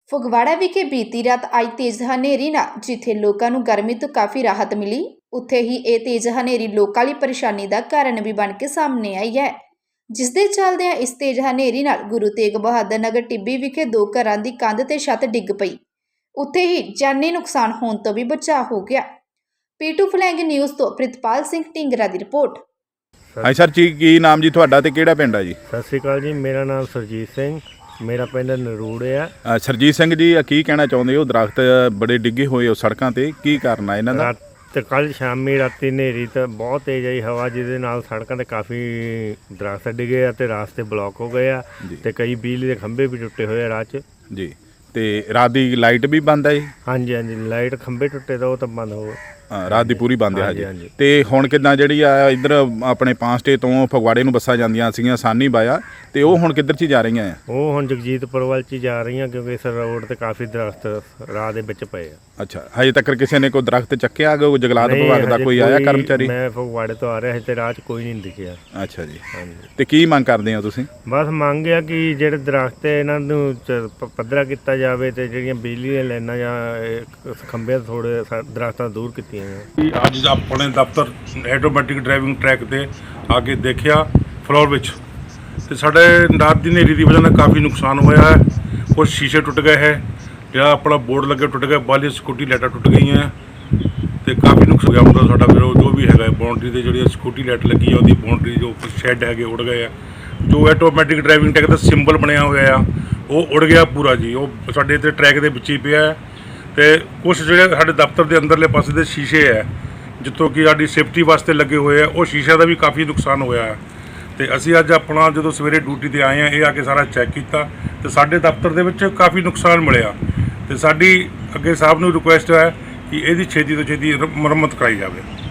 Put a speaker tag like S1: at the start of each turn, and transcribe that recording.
S1: ਫਗਵਾੜਾ ਵਿਖੇ ਬੀਤੀ ਰਾਤ ਆਈ ਤੇਜ਼ ਹਨੇਰੀ ਨਾਲ ਜਿੱਥੇ ਲੋਕਾਂ ਨੂੰ ਗਰਮੀ ਤੋਂ ਕਾਫੀ ਰਾਹਤ ਮਿਲੀ, ਉੱਥੇ ਹੀ ਇਹ ਤੇਜ਼ ਹਨੇਰੀ ਲੋਕਾਂ ਲਈ ਪਰੇਸ਼ਾਨੀ ਦਾ ਕਾਰਨ ਵੀ ਬਣ ਕੇ ਸਾਹਮਣੇ ਆਈ ਹੈ। ਜਿਸ ਦੇ ਚੱਲਦਿਆਂ ਇਸ ਤੇਜ਼ ਹਨੇਰੀ ਨਾਲ ਗੁਰੂ ਤੇਗ ਬਹਾਦਰ ਨਗਰ ਟਿੱਬੀ ਵਿਖੇ 2 ਘਰਾਂ ਦੀ ਕੰਧ ਤੇ ਛੱਤ ਡਿੱਗ ਪਈ। ਉੱਥੇ ਹੀ ਜਾਨੀ ਨੁਕਸਾਨ ਹੋਣ ਤੋਂ ਵੀ ਬਚਾਅ ਹੋ ਗਿਆ। ਪੀਟੂ ਫਲੈਂਗ ਨਿਊਜ਼ ਤੋਂ ਪ੍ਰਿਤਪਾਲ ਸਿੰਘ ਢਿੰਗਰਾ ਦੀ ਰਿਪੋर्ट।
S2: ਹਾਂ ਸਰ ਜੀ, ਕੀ ਨਾਮ ਜੀ ਤੁਹਾਡਾ ਤੇ ਕਿਹੜਾ ਪਿੰਡ ਆ ਜੀ?
S3: ਸਤਿ ਸ਼੍ਰੀ ਅਕਾਲ ਜੀ, ਮੇਰਾ ਨਾਮ ਸਰਜੀਤ ਸਿੰਘ, ਮੇਰਾ ਪਿੰਡ ਨਰੂੜ ਆ।
S2: ਸਰਜੀਤ ਸਿੰਘ ਜੀ, ਕੀ ਕਹਿਣਾ ਚਾਹੁੰਦੇ ਹੋ? ਦਰਖਤ ਬੜੇ ਡਿੱਗੇ ਹੋਏ ਹੋ ਸੜਕਾਂ ਤੇ, ਕੀ ਕਾਰਨ ਆ ਇਹਨਾਂ ਦਾ?
S3: ਤੇ ਕੱਲ ਸ਼ਾਮੀ ਰਾਤੀ ਹਨੇਰੀ ਤਾਂ ਬਹੁਤ ਤੇਜ਼ ਆਈ ਹਵਾ, ਜਿਹਦੇ ਨਾਲ ਸੜਕਾਂ ਤੇ ਕਾਫੀ ਦਰਖਤ ਡਿੱਗੇ ਆ ਤੇ ਰਾਸਤੇ ਬਲੌਕ ਹੋ ਗਏ ਆ ਤੇ ਕਈ ਬਿਜਲੀ ਦੇ ਖੰਭੇ ਵੀ ਟੁੱਟੇ ਹੋਏ ਆ ਰਾਹ 'ਚ
S2: ਜੀ। ਤੇ ਰਾਤ ਦੀ ਲਾਈਟ ਵੀ ਬੰਦ ਹੈ ਜੀ?
S3: ਹਾਂਜੀ ਹਾਂਜੀ, ਲਾਈਟ ਖੰਭੇ ਟੁੱਟੇ ਤਾਂ ਉਹ ਤਾਂ ਬੰਦ ਹੋ
S2: ਰਾਤ ਦੀ ਪੂਰੀ ਬੰਦ ਹੈ ਜੀ।
S3: ਹਾਂਜੀ।
S2: ਤੇ ਹੁਣ ਕਿੱਦਾਂ ਜਿਹੜੀ ਆ ਇੱਧਰ ਆਪਣੇ ਪਾਂਸਟੇ ਤੋਂ ਫਗਵਾੜੇ ਨੂੰ ਬੱਸਾਂ ਜਾਂਦੀਆਂ ਸੀਗੀਆਂ ਸਾਨੀ ਬਾਇਆ, ਤੇ ਉਹ ਹੁਣ ਕਿੱਧਰ 'ਚ ਜਾ ਰਹੀਆਂ ਆ?
S3: ਉਹ ਹੁਣ ਜਗਜੀਤਪੁਰ ਵੱਲ 'ਚ ਜਾ ਰਹੀਆਂ, ਕਿਉਂਕਿ ਇਸ ਰੋਡ ਤੇ ਕਾਫੀ ਦਰਖਤ ਰਾਹ ਦੇ ਵਿੱਚ ਪਏ ਆ।
S2: ਅੱਛਾ, ਹਜੇ ਤੱਕ ਕਿਸੇ ਨੇ ਕੋਈ ਦਰਖਤ ਚੱਕਿਆ? ਕੋਈ ਜੰਗਲਾਤ ਵਿਭਾਗ ਦਾ ਕੋਈ ਆਇਆ ਕਰਮਚਾਰੀ?
S3: ਮੈਂ ਫਗਵਾੜੇ ਤੋਂ ਆ ਰਿਹਾ ਸੀ ਤੇ ਰਾਹ 'ਚ ਕੋਈ ਨਹੀਂ ਦਿਖਿਆ।
S2: ਅੱਛਾ ਜੀ।
S3: ਹਾਂਜੀ।
S2: ਤੇ ਕੀ ਮੰਗ ਕਰਦੇ ਹੋ ਤੁਸੀਂ?
S3: ਬਸ ਮੰਗ ਆ ਕਿ ਜਿਹੜੇ ਦਰਖਤ ਹੈ ਇਹਨਾਂ ਨੂੰ ਪੱਧਰਾ ਕੀਤਾ ਜਾਵੇ ਤੇ ਜਿਹੜੀਆਂ ਬਿਜਲੀ ਦੀਆਂ ਲਾਈਨਾਂ ਜਾਂ ਖੰਭੇ ਥੋੜੇ ਦਰਖਤਾਂ ਦੂਰ ਕੀਤੀਆਂ ਜਾਣ।
S4: ਅੱਜ ਆਪਣੇ ਦਫ਼ਤਰ ਆਟੋਮੈਟਿਕ ਡਰਾਈਵਿੰਗ ਟਰੈਕ ਤੇ ਆ ਕੇ ਦੇਖਿਆ ਫਲੋਰ ਵਿੱਚ, ਤੇ ਸਾਡੇ ਰਾਤ ਦੀ ਹਨੇਰੀ ਦੀ ਵਜ੍ਹਾ ਨਾਲ ਕਾਫੀ ਨੁਕਸਾਨ ਹੋਇਆ ਹੈ। ਕੁਝ ਸ਼ੀਸ਼ੇ ਟੁੱਟ ਗਏ ਹੈ, ਜਿਹੜਾ ਆਪਣਾ ਬੋਰਡ ਲੱਗੇ ਟੁੱਟ ਗਿਆ, ਬਾਲੀ ਸਿਕਿਉਰਟੀ ਲਾਈਟਾਂ ਟੁੱਟ ਗਈਆਂ ਤੇ ਕਾਫੀ ਨੁਕਸਾਨ ਹੋ ਗਿਆ। ਮਤਲਬ ਸਾਡਾ ਫਿਰ ਜੋ ਵੀ ਹੈਗਾ ਬਾਉਂਡਰੀ ਤੇ ਜਿਹੜੀ ਸਿਕਿਉਰਟੀ ਲਾਈਟ ਲੱਗੀ ਆ, ਉਹਦੀ ਬਾਉਂਡਰੀ ਜੋ ਸ਼ੈੱਡ ਹੈਗੇ ਉੜ ਗਏ ਆ। ਜੋ ਆਟੋਮੈਟਿਕ ਡਰਾਈਵਿੰਗ ਟਰੈਕ ਦਾ ਸਿੰਬਲ ਬਣਿਆ ਹੋਇਆ ਆ ਉਹ ਉੜ ਗਿਆ ਪੂਰਾ ਜੀ। ਉਹ ਸਾਡੇ ਇੱਥੇ ਟਰੈਕ ਦੇ ਵਿੱਚ ਹੀ ਪਿਆ ਹੈ। ਤੇ ਕੁਛ ਜਿਹੜੇ ਸਾਡੇ ਦਫ਼ਤਰ ਦੇ ਅੰਦਰਲੇ ਪਾਸੇ ਦੇ ਸ਼ੀਸ਼ੇ ਹੈ ਜਿੱਥੋਂ ਕਿ ਸਾਡੀ ਸੇਫਟੀ ਵਾਸਤੇ ਲੱਗੇ ਹੋਏ ਆ, ਉਹ ਸ਼ੀਸ਼ਿਆਂ ਦਾ ਵੀ ਕਾਫੀ ਨੁਕਸਾਨ ਹੋਇਆ ਹੈ। ਤੇ ਅਸੀਂ ਅੱਜ ਆਪਣਾ ਜਦੋਂ ਸਵੇਰੇ ਡਿਊਟੀ ਤੇ ਆਏ ਆ, ਇਹ ਆ ਕੇ ਸਾਰਾ ਚੈੱਕ ਕੀਤਾ ਤੇ ਸਾਡੇ ਦਫ਼ਤਰ ਦੇ ਵਿੱਚ ਕਾਫੀ ਨੁਕਸਾਨ ਮਿਲਿਆ। ਤੇ ਸਾਡੀ ਅੱਗੇ ਸਾਹਿਬ ਨੂੰ ਰਿਕੁਐਸਟ ਹੈ ਕਿ ਇਹਦੀ ਛੇਤੀ ਤੋਂ ਛੇਤੀ ਮੁਰੰਮਤ ਕਰਾਈ ਜਾਵੇ।